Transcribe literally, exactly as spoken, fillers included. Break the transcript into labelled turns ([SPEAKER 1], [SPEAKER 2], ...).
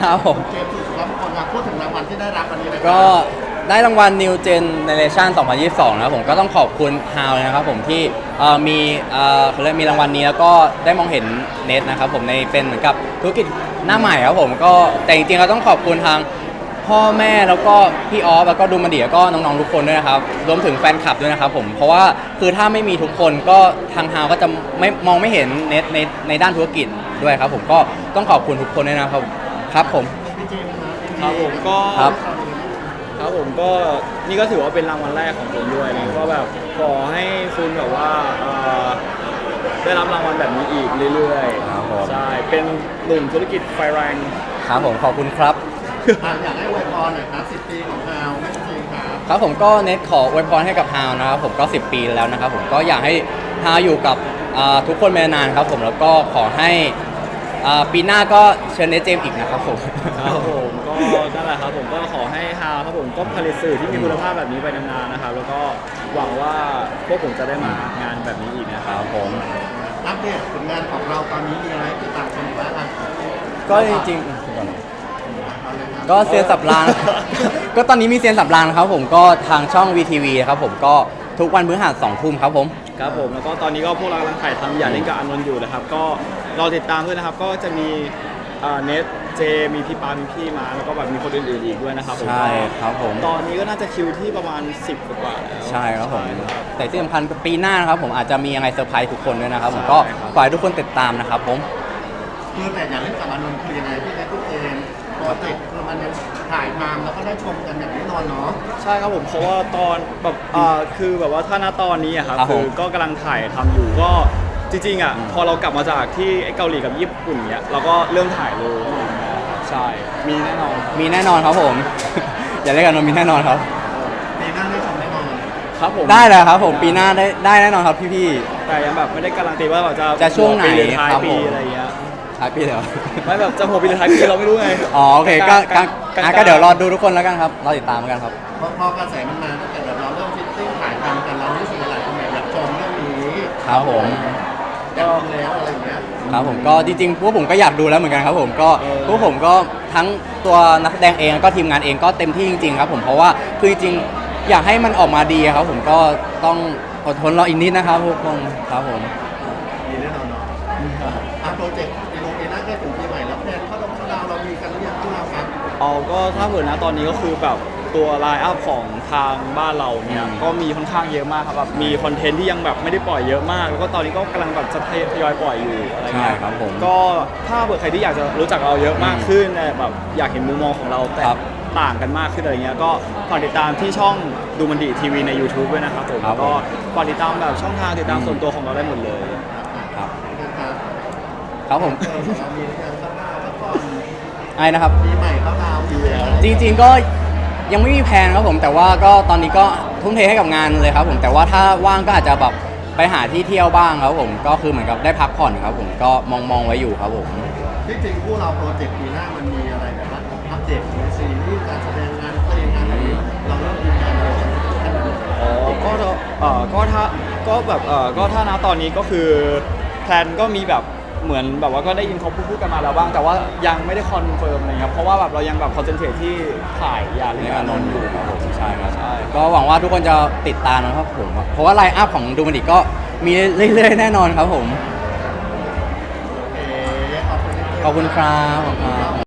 [SPEAKER 1] ครับผม
[SPEAKER 2] เจมส์สุดครับคนครับพูดถึงรางวัลที่ได้รับวันนี้เลยครับ
[SPEAKER 1] ก็ได้รางวัล New Generation สองพันยี่สิบสองนะครับผมก็ต้องขอบคุณฮาวเลยนะครับผมที่เอ่อมีเอ่อเขาเรียกมีรางวัลนี้แล้วก็ได้มองเห็นเน็ตนะครับผมในเป็นเหมือนกับธุรกิจหน้าใหม่ครับผมก็แต่จริงๆเราต้องขอบคุณทางพ่อแม่แล้วก็พี่ออฟแล้วก็ดูมันดีแล้วก็น้องๆทุกคนด้วยนะครับรวมถึงแฟนคลับด้วยนะครับผมเพราะว่าคือถ้าไม่มีทุกคนก็ทางฮาวก็จะไม่มองไม่เห็นเน็ตในในด้านธุรกิจด้วยครับผมก็ต้องขอบคุณทุกคนด้วยนะครับครับผม
[SPEAKER 2] พี่เจมส์ครับ
[SPEAKER 3] ครับผมก็
[SPEAKER 1] ครับ
[SPEAKER 3] ครับผมก็นี่ก็ถือว่าเป็นรางวัลแรกของผมด้วยนะก็แบบขอให้คุณแบบว่าเอ่อได้รับรางวัลแบบนี้อีกเรื่อยๆใช่เป็นหนุ่มธุรกิจไฟแรง
[SPEAKER 1] ครับผมขอบคุณครับ
[SPEAKER 2] อ่ะอยากให้อวยพรหน่อยครับสิบปีของฮาวแม่จริงครับ
[SPEAKER 1] ครับผมก็เน็ตขออวยพรให้กับฮาวนะครับผมก็สิบปีแล้วนะครับผมก็อยากให้ฮาวอยู่กับอ่าทุกคนไปนานๆครับผมแล้วก็ขอให้อ่าปีหน้าก็เชิญเน็ตเจมส์อีกนะครับผม
[SPEAKER 3] ครับผมก็นั่นแหละครับผมก็ขอให้ฮาวครับผมก็ผลิตสื่อที่มีคุณภาพแบบนี้ไปนานๆนะครับแล้วก็หวังว่าพวกผมจะได้มางานแบบนี้อีกนะค
[SPEAKER 1] ครับ รับผม
[SPEAKER 2] อัปเดตผลงานของเราตอนนี้มีอะไรติดตามชมบ้างครับ
[SPEAKER 1] ก็จริงๆก็เซียนสับราง ก็ตอนนี้มีเซียนสับรางนะครับผมก็ทางช่อง วี ที วี ครับผมก็ทุกวันพฤหัสสองทุ่มครับผม
[SPEAKER 3] ครับผมแล้วก็ตอนนี้ก็พวกเรากำลังถ่ายทำอย่าเล่นกับอานนท์อยู่นะครับก็รอติดตามด้วยนะครับก็จะมีเน็ตเจมีพี่ปามีพี่มาแล้วก็แบบมีคนอื่นๆอีกด้วยนะครับผม
[SPEAKER 1] ใช่ครับผม
[SPEAKER 3] ตอนนี้ก็น่าจะคิวที่ประมาณสิบกว่าแล้ว
[SPEAKER 1] ใช่ครับผม
[SPEAKER 3] ใช่ครับ
[SPEAKER 1] แต่ที่สำคัญปีหน้านะครับผมอาจจะมีอะไรเซอร์ไพรส์ทุกคนด้วยนะครับผมก็
[SPEAKER 3] ใช่ครับ
[SPEAKER 1] ฝากให้ทุกคนติดตามนะครับผม
[SPEAKER 2] คือแต่อยากเล่นกับอานนท์คือยังไงพี่เจมส์พี่เจมส์โปรเจกต์คือมันยังถ่ายทำแล้วก็ได้ชมกันอย่างแน่นอนเนาะ
[SPEAKER 3] ใช่ครับผมเพราะว่าตอนแบบอ่าคือแบบว่าถ้าณตอนนี้อะครับ
[SPEAKER 1] ครับผม
[SPEAKER 3] คือก็กำลังถ่ายทำอยู่ก็จริงๆอ่ะพอเรากลับมาจากที่เกาหลีกับญี่ปุ่นเนี้ยเราก็เริ่มถ่ายเลยใช่มีแน่นอน
[SPEAKER 1] มีแน่นอนครับผม อย่าเรียกกันว่ามีแน่นอนครับ
[SPEAKER 2] ปีหน้าได้ชมแน่นอน
[SPEAKER 3] ครับผม
[SPEAKER 1] ได้เลยครับผมปีหน้าได้ได้แน่นอนครับพี่
[SPEAKER 3] แต่ยังแบบไม่ได้การันตีว่าแบบจะ
[SPEAKER 1] จะช่วงไหน
[SPEAKER 3] ปีรือท้าย
[SPEAKER 1] ครับ
[SPEAKER 3] ปี
[SPEAKER 1] ผม
[SPEAKER 3] อะไรเงี้ย
[SPEAKER 1] ๆท้ายปีเดี๋ยว
[SPEAKER 3] ไม่แบบจะหัวปีหรือท้ายปีเราไม่รู้ไง
[SPEAKER 1] อ๋อโอเคก็ก็
[SPEAKER 3] กลางๆ
[SPEAKER 1] อ่ะก็เดี๋ยวรอดูทุกคนแล้วกันครับรอติดตามแล้วกันครับ
[SPEAKER 2] เพราะพอกระแสมันมาตั้งแต่แบบเราเริ่มฟิตติ้งถ่ายทำกันเรารู้สึกหลายคนอยากชมเรื่องนี้
[SPEAKER 1] ครับผม
[SPEAKER 2] อยากดูแล้วอะไรอย่างเงี้ย
[SPEAKER 1] ครับผมก็จริงๆพวกผมก็อยากดูแล้วเหมือนกันครับผมก็
[SPEAKER 3] เออ
[SPEAKER 1] พวกผมก็ทั้งตัวนักแสดงเองแล้วก็ทีมงานเองก็เต็มที่จริงๆครับผมเพราะว่าคือจริงๆอยากให้มันออกมาดีครับผมก็ต้องอดทนรออีกนิดนะครับทุกคนครับผม
[SPEAKER 2] มีแน่นอนเนาะอ่ะโปรเจกต์ปีโนปีหน้าใกล้ถึงปีใหม่แล้วแพลนเข้าดงเข้าดาวเรามีกันหรือยังที่เราครับ
[SPEAKER 3] เอาก็ถ้าเผื่อนะตอนนี้ก็คือแบบตัวไลน์อัพของทางบ้านเราเนี่ย
[SPEAKER 1] อืม
[SPEAKER 3] ก็มีค่อนข้างเยอะมากครับแบบมีคอนเทนต์ที่ยังแบบไม่ได้ปล่อยเยอะมาก แล้วก็ตอนนี้ก็กำลังแบบจะทยอยปล่อยอยู่อะไร
[SPEAKER 1] ใช่
[SPEAKER 3] เงี้ย
[SPEAKER 1] ครับผม
[SPEAKER 3] ก็ถ้าเผื่อใครที่อยากจะรู้จักเราเยอะมากขึ้นเนี่ยแบบอยากเห็นมุมมองของเราแต่
[SPEAKER 1] ครับ
[SPEAKER 3] ต่างกันมากขึ้นอะไรเงี้ยก็ฝากติดตามที่ช่องดูมันดีทีวีใน YouTube ด้วยนะครับผม
[SPEAKER 1] ครับ
[SPEAKER 3] แล้วก็ฝากติดตามแบบช่องทางติดตามส่วนตัวของเราได้หมดเลย
[SPEAKER 1] ครับ
[SPEAKER 2] ครับ
[SPEAKER 1] ครับผม
[SPEAKER 2] เออเรามีเรื่องเข้าดาวแล้วก็
[SPEAKER 1] ไอ้นะครับ
[SPEAKER 2] ปีใหม่เข้าดาวอยู่แล้ว
[SPEAKER 1] จริงๆก็ยังไม่มีแผนครับผมแต่ว่าก็ตอนนี้ก็ทุ่มเทให้กับงานเลยครับผมแต่ว่าถ้าว่างก็อาจจะแบบไปหาที่เที่ยวบ้างครับผมก็คือเหมือนกับได้พักผ่อนครับผมก็มองมองๆไว้อยู่ครับผม
[SPEAKER 2] ที่จริงพวกเราโปรเจกต์ปีหน้ามันมีอะไรแบบว่าอัปเดตในซีรีส์การแสดงงานเพลงงานอะไรอย่างเงี้ยเราเริ่มมีงานอะไรกันบ้าง
[SPEAKER 3] อ๋อก็ถ้าเอ่อก็ถ้าก็แบบเอ่อก็ถ้านะตอนนี้ก็คือแพลนก็มีแบบเหมือนแบบว่าก็ได้ยินเขาพูดๆกันมาแล้วบ้างแต่ว่ายังไม่ได้คอนเฟิร์มอะไรครับเพราะว่าแบบเรายังแบบคอนเซนเทรตที่ถ่ายยา
[SPEAKER 1] ใน
[SPEAKER 3] เล่น
[SPEAKER 1] อาน
[SPEAKER 3] น
[SPEAKER 1] น
[SPEAKER 3] น
[SPEAKER 1] ท์
[SPEAKER 3] ท์
[SPEAKER 1] อ
[SPEAKER 3] อยู่ ยู่
[SPEAKER 1] ครับผมใช่ครับ
[SPEAKER 3] ใช่
[SPEAKER 1] ก็หวังว่าทุกคนจะติดตามนะครับผมเพราะว่าไลน์อัพของดูมันดิก็มีเรื่อยๆแน่นอนครับผม
[SPEAKER 2] โอเคขอบคุณ
[SPEAKER 1] ขอบคุณครับขอบคุณครับ